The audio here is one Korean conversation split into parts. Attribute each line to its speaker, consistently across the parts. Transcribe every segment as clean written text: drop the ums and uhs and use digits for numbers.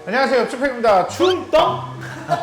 Speaker 1: 안녕하세요, 쭈팩입니다. 충떡.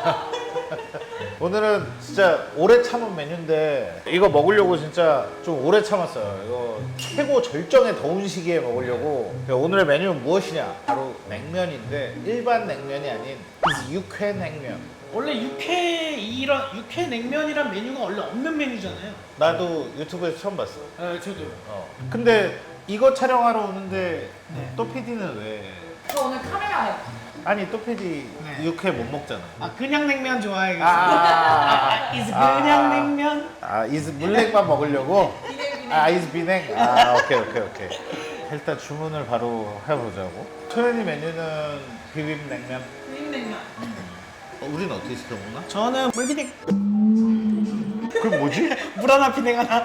Speaker 1: 오늘은 진짜 오래 참은 메뉴인데 이거 먹으려고 진짜 좀 오래 참았어요. 이거 최고 절정의 더운 시기에 먹으려고. 오늘의 메뉴는 무엇이냐? 바로 냉면인데 일반 냉면이 아닌 육회 냉면.
Speaker 2: 원래 육회 냉면이란 메뉴가 원래 없는 메뉴잖아요.
Speaker 1: 나도 유튜브에서 처음 봤어.
Speaker 2: 저도.
Speaker 1: 근데 이거 촬영하러 오는데
Speaker 2: 네.
Speaker 1: 또 PD는 왜?
Speaker 3: 저 오늘 카메라에
Speaker 1: 아니 또 PD
Speaker 2: 네.
Speaker 1: 육회 못 먹잖아.
Speaker 2: 그냥 냉면 좋아해요.
Speaker 1: 아,
Speaker 2: 그냥 냉면.
Speaker 1: 이즈 물냉만 먹으려고?
Speaker 3: 비냉
Speaker 1: 이즈 비냉? 오케이. 일단 주문을 바로 해보자고. 토연이 메뉴는 비빔냉면.
Speaker 3: 비빔냉면.
Speaker 1: 우린 어떻게 시켜 먹나?
Speaker 2: 저는 물비냉.
Speaker 1: 그럼 뭐지?
Speaker 2: 물 하나 비냉 하나.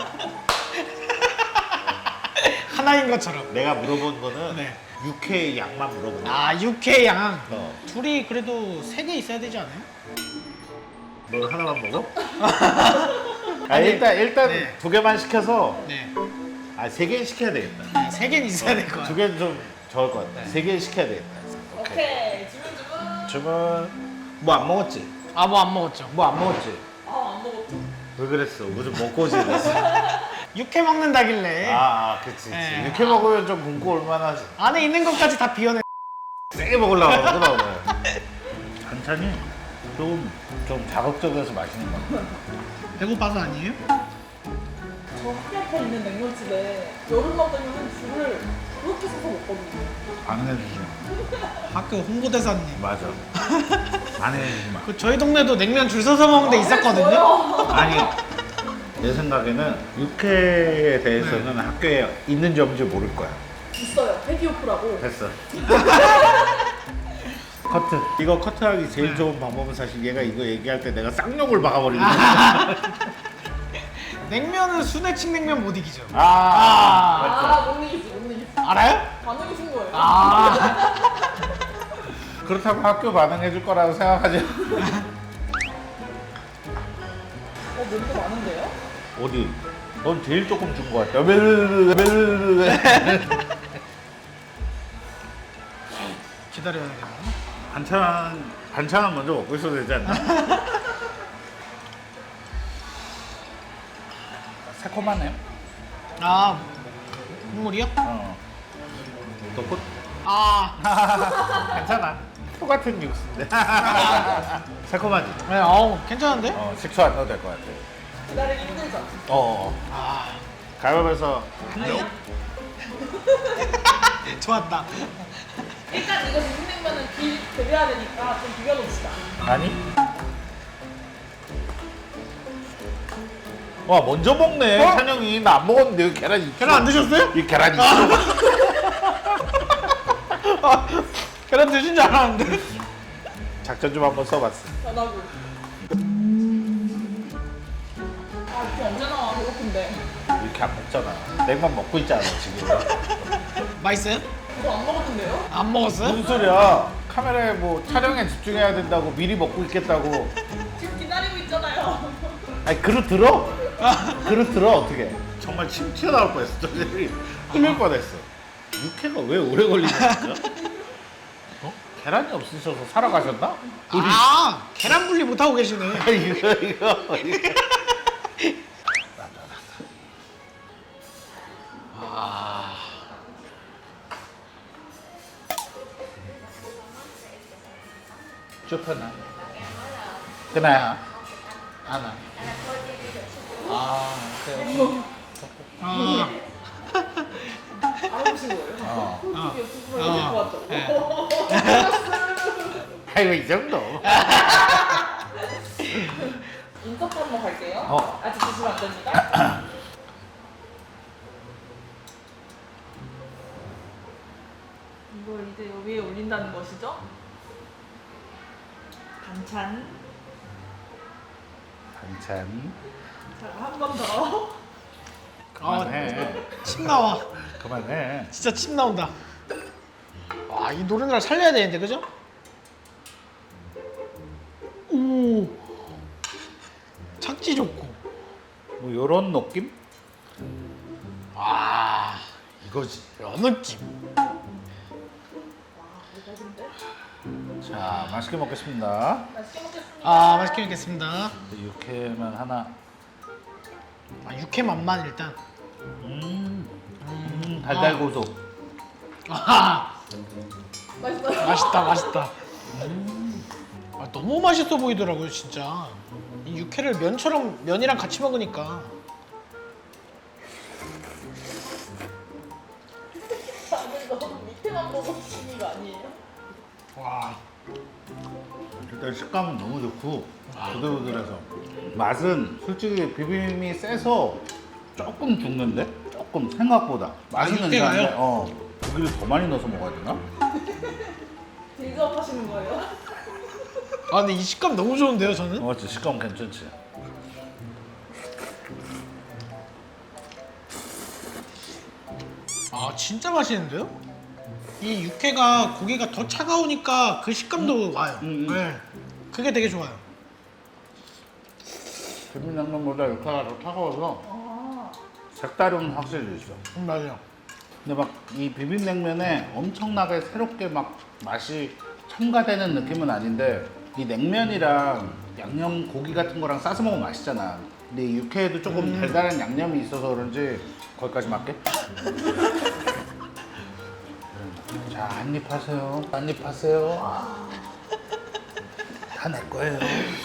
Speaker 2: 하나인 것처럼.
Speaker 1: 내가 물어본 거는
Speaker 2: 네.
Speaker 1: 육회 양만 물어본 거야.
Speaker 2: 육회 양.
Speaker 1: 둘이
Speaker 2: 둘이 그래도 3개 있어야 되지 않아요?
Speaker 1: 너 하나만 먹어?
Speaker 2: 아니,
Speaker 1: 일단
Speaker 2: 네.
Speaker 1: 2개만 시켜서
Speaker 2: 네.
Speaker 1: 3개 시켜야 되겠다.
Speaker 2: 3개는 있어야 될 것 같아요.
Speaker 1: 2개는 좀 적을 것 같아. 3개 시켜야 되겠다.
Speaker 3: 오케이. 주문.
Speaker 1: 뭐 안 먹었지?
Speaker 2: 뭐 안 먹었죠.
Speaker 1: 뭐 안 먹었지?
Speaker 3: 안 먹었죠.
Speaker 1: 왜 그랬어? 무슨 먹고 오지 그랬어?
Speaker 2: 육회 먹는다길래
Speaker 1: 그치.
Speaker 2: 네.
Speaker 1: 육회 먹으면 좀 굶고 올만하지.
Speaker 2: 안에 있는 것까지 다 비워내.
Speaker 1: 세게 먹으려고 그러구나 오늘. 반찬이 좀 자극적이어서 맛있는 것 같아.
Speaker 2: 배고파서 아니에요?
Speaker 3: 저 학교 앞에 있는 냉면집에 여름만 되면 줄을 그렇게 서서 먹거든요.
Speaker 1: 안 해주지.
Speaker 2: 학교 홍보대사님.
Speaker 1: 맞아. 안 해주지 마.
Speaker 2: 저희 동네도 냉면 줄 서서 먹는 데 있었거든요.
Speaker 3: 저요.
Speaker 1: 아니, 내 생각에는 육회에 대해서는 학교에 있는지 없는지 모를 거야.
Speaker 3: 있어요. 페디오프라고.
Speaker 1: 됐어. 커트. 이거 커트하기 제일 좋은 방법은 사실 얘가 이거 얘기할 때 내가 쌍욕을 박아버리는 거야.
Speaker 2: 냉면은 순회층 냉면 못 이기죠.
Speaker 1: 맞죠.
Speaker 3: 못 이기지.
Speaker 2: 알아요?
Speaker 3: 반응이 준 거예요.
Speaker 1: 그렇다고 학교 반응해줄 거라고 생각하지.
Speaker 3: 냄새 많은데요?
Speaker 1: 어디? 넌 제일 조금 준 거 같아.
Speaker 2: 기다려야 되나?
Speaker 1: 반찬은 먼저 먹고 있어도 되지 않나? 새콤하네요.
Speaker 2: 국물이요?
Speaker 1: 또 괜찮아. 똑같은 육수인데. 새콤하지?
Speaker 2: 네, 괜찮은데?
Speaker 1: 식초 안 넣어도 될 것 같아.
Speaker 3: 기다리기 힘들죠?
Speaker 1: 가위바위보에서
Speaker 2: 좋았다.
Speaker 3: 일단 이거 비빔냉면은 비벼야 되니까 좀 비벼놓읍시다.
Speaker 1: 아니? 와 먼저 먹네. 찬영이 나 안 먹었는데 여기 계란 있어.
Speaker 2: 계란 안 드셨어요?
Speaker 1: 이 계란 있어.
Speaker 2: 계란 드신 줄 알았는데.
Speaker 1: 작전 좀 한번 써봤어.
Speaker 3: 변하고. 이거 언제 나와? 배고픈데.
Speaker 1: 이렇게 안 먹잖아. 냉만 먹고 있잖아 지금.
Speaker 2: 맛있어요?
Speaker 3: 이거 안 먹었는데요?
Speaker 2: 안 먹었어요?
Speaker 1: 무슨 소리야? 카메라에 뭐 촬영에 집중해야 된다고 미리 먹고 있겠다고.
Speaker 3: 지금 기다리고 있잖아요.
Speaker 1: 아니 그릇 들어? 그릇 들어 어떻게? 정말 침 튀어나올 뻔했어. 저기 흘릴 뻔했어. 육회가 왜 오래 걸리냐 진짜? 계란이 없으셔서 사러 가셨나?
Speaker 2: 계란 분리 못 하고 계시네.
Speaker 1: 이거. 좁혀놔. 그나야. 하나. 그래.
Speaker 3: 알아보신 거예요? 유튜브로 데리고 왔죠?
Speaker 1: 아이고 이 정도.
Speaker 3: 인서트 한번 갈게요. 아직 드시면 안 됩니다. 이걸 이제 위에 올린다는 것이죠? 반찬.
Speaker 1: 반찬.
Speaker 3: 자, 한 번 더.
Speaker 1: 그만해.
Speaker 2: 침 나와.
Speaker 1: 그만해.
Speaker 2: 진짜 침 나온다. 이 노른자를 살려야 되는데, 그죠? 오. 착지 좋고.
Speaker 1: 뭐 요런 느낌?
Speaker 2: 이거지. 요 느낌.
Speaker 3: 대박인데?
Speaker 1: 자, 맛있게 먹겠습니다.
Speaker 3: 맛있게 먹겠습니다.
Speaker 2: 아 맛있게 먹겠습니다.
Speaker 1: 육회만 하나.
Speaker 2: 아 육회 맛만 일단.
Speaker 1: 달달 고소.
Speaker 2: 아
Speaker 3: 맛있어요.
Speaker 2: 맛있다. 아, 너무 맛있어 보이더라고요 진짜. 이 육회를 면이랑 같이 먹으니까.
Speaker 3: 다들 너무 밑에만 보고 드시는 거 아니에요?
Speaker 2: 와.
Speaker 1: 일단 식감은 너무 좋고 부들부들해서 맛은 솔직히 비빔이 세서 조금 죽는데? 조금 생각보다 맛은
Speaker 2: 육회가요?
Speaker 1: 괜찮은데 고기를 더 많이 넣어서 먹어야 되나?
Speaker 3: 빌드업 하시는 거예요?
Speaker 2: 아 근데 이 식감 너무 좋은데요 저는?
Speaker 1: 맞지, 식감 괜찮지.
Speaker 2: 아 진짜 맛있는데요? 이 육회가 고기가 더 차가우니까 그 식감도 와요. 네. 그게 되게 좋아요.
Speaker 1: 비빔냉면보다 육회가 더 차가워서
Speaker 3: 아,
Speaker 1: 색다름은 확실히 있어.
Speaker 2: 맞아요.
Speaker 1: 근데 막 이 비빔냉면에 엄청나게 새롭게 막 맛이 첨가되는 느낌은 아닌데 이 냉면이랑 양념 고기 같은 거랑 싸서 먹으면 맛있잖아. 근데 이 육회에도 조금 달달한 양념이 있어서 그런지 거기까지 맞게? 자, 한입 하세요. 한입 하세요. 다 내 거예요.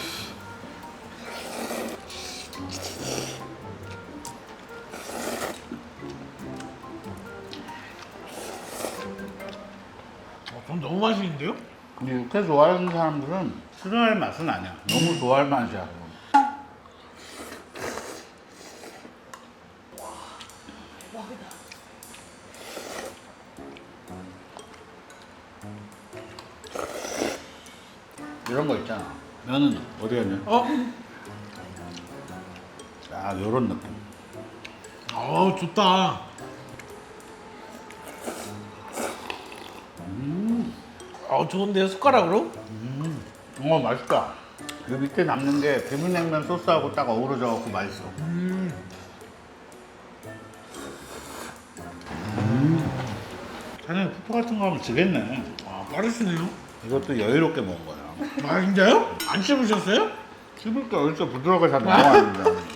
Speaker 2: 전 너무 맛있는데요?
Speaker 1: 근데 육회 좋아하는 사람들은 싫어할 맛은 아니야. 너무 좋아할 맛이야.
Speaker 3: 대박이다.
Speaker 1: 이런 거 있잖아. 면은 어디 갔냐? 아, 요런 느낌.
Speaker 2: 좋다. 좋은데요 숟가락으로?
Speaker 1: 맛있다. 그 밑에 남는 게 비빔냉면 소스하고 딱 어우러져갖고 맛있어. 자네 쿠파 같은 거 하면 지겠네.
Speaker 2: 빠르시네요.
Speaker 1: 이것도 여유롭게 먹은 거야.
Speaker 2: 아 진짜요? 안 씹으셨어요?
Speaker 1: 씹을 때 어디서 부드럽게 잘 나와야 돼.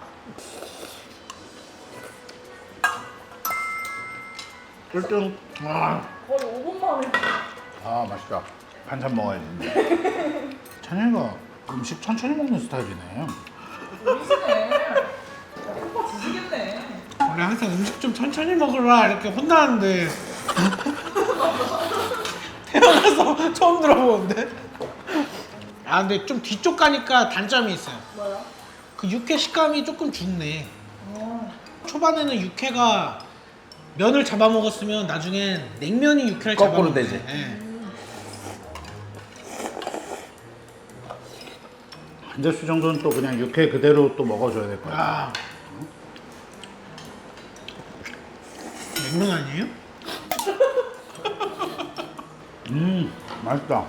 Speaker 1: 꿀등.
Speaker 3: 거의 5분 만에.
Speaker 1: 맛있다. 반찬 먹어야지. 자네가 음식 천천히 먹는 스타일이네.
Speaker 3: 미치네. 오빠 지지겠네.
Speaker 2: 원래 항상 음식 좀 천천히 먹으라 이렇게 혼나는데 태어나서 처음 들어보는데. 아 근데 좀 뒤쪽 가니까 단점이 있어요.
Speaker 3: 뭐야?
Speaker 2: 그 육회 식감이 조금 죽네.
Speaker 3: 어.
Speaker 2: 초반에는 육회가 면을 잡아 먹었으면 나중엔 냉면이 육회를
Speaker 1: 거꾸로
Speaker 2: 잡아
Speaker 1: 되지. 한 접시 정도는 또 그냥 육회 그대로 또 먹어줘야 될 거야.
Speaker 2: 아 냉면 아니에요?
Speaker 1: 맛있다.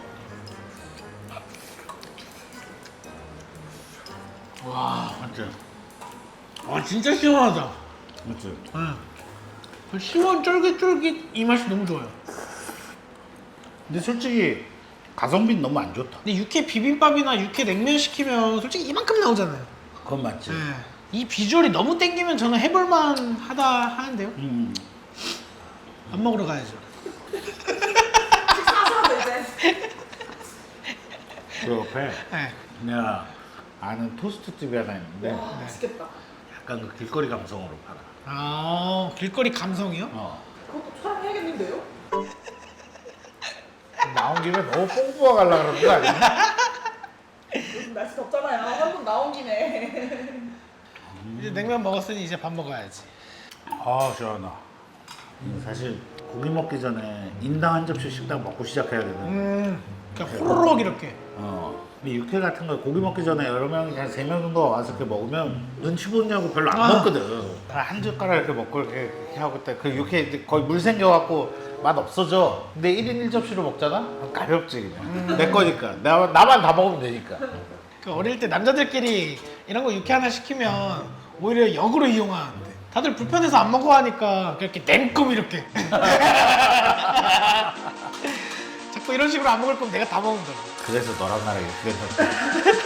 Speaker 2: 와
Speaker 1: 맞지?
Speaker 2: 진짜 시원하다.
Speaker 1: 맞지?
Speaker 2: 그 시원 쫄깃쫄깃 이 맛이 너무 좋아요.
Speaker 1: 근데 솔직히 가성비는 너무 안 좋다.
Speaker 2: 근데 육회 비빔밥이나 육회 냉면 시키면 솔직히 이만큼 나오잖아요.
Speaker 1: 그건 맞지.
Speaker 2: 이 비주얼이 너무 땡기면 저는 해볼만 하다 하는데요. 밥 먹으러 가야죠.
Speaker 3: 식사하셔도 이제.
Speaker 1: 그 옆에
Speaker 2: 네.
Speaker 1: 내가 아는 토스트 집이 하나 있는데
Speaker 3: 와, 맛있겠다.
Speaker 1: 약간 그 길거리 감성으로 팔아.
Speaker 2: 길거리 감성이요?
Speaker 3: 그것도 촬영해야겠는데요?
Speaker 1: 나온 김에 너무 뽕뿌어 가려고 그러는 거 아니야?
Speaker 3: 요즘 날씨 덥잖아요. 한 번 나온 김에.
Speaker 2: 이제 냉면 먹었으니 이제 밥 먹어야지.
Speaker 1: 시원하다. 사실 고기 먹기 전에 인당 한 접시씩 딱 먹고 시작해야 되는.
Speaker 2: 그냥 호로록 이렇게.
Speaker 1: 근데 육회 같은 거 고기 먹기 전에 여러 명이 한 3명 정도 와서 이렇게 먹으면 눈치 보느냐고 별로 안 먹거든. 한 젓가락 이렇게 먹고 이렇게 하고 때 그 육회 이제 거의 물 생겨갖고 맛 없어져. 근데 1인 1접시로 먹잖아? 가볍지 그냥. 내 거니까. 나만 다 먹으면 되니까.
Speaker 2: 그 어릴 때 남자들끼리 이런 거 육회 하나 시키면 오히려 역으로 이용하는데 다들 불편해서 안 먹어 하니까 그렇게 냉큼 이렇게. 자, 뭐 이런 식으로 안 먹을 거면 내가 다 먹는다고.
Speaker 1: 그래서 너랑 나랑 이렇게 됐었다.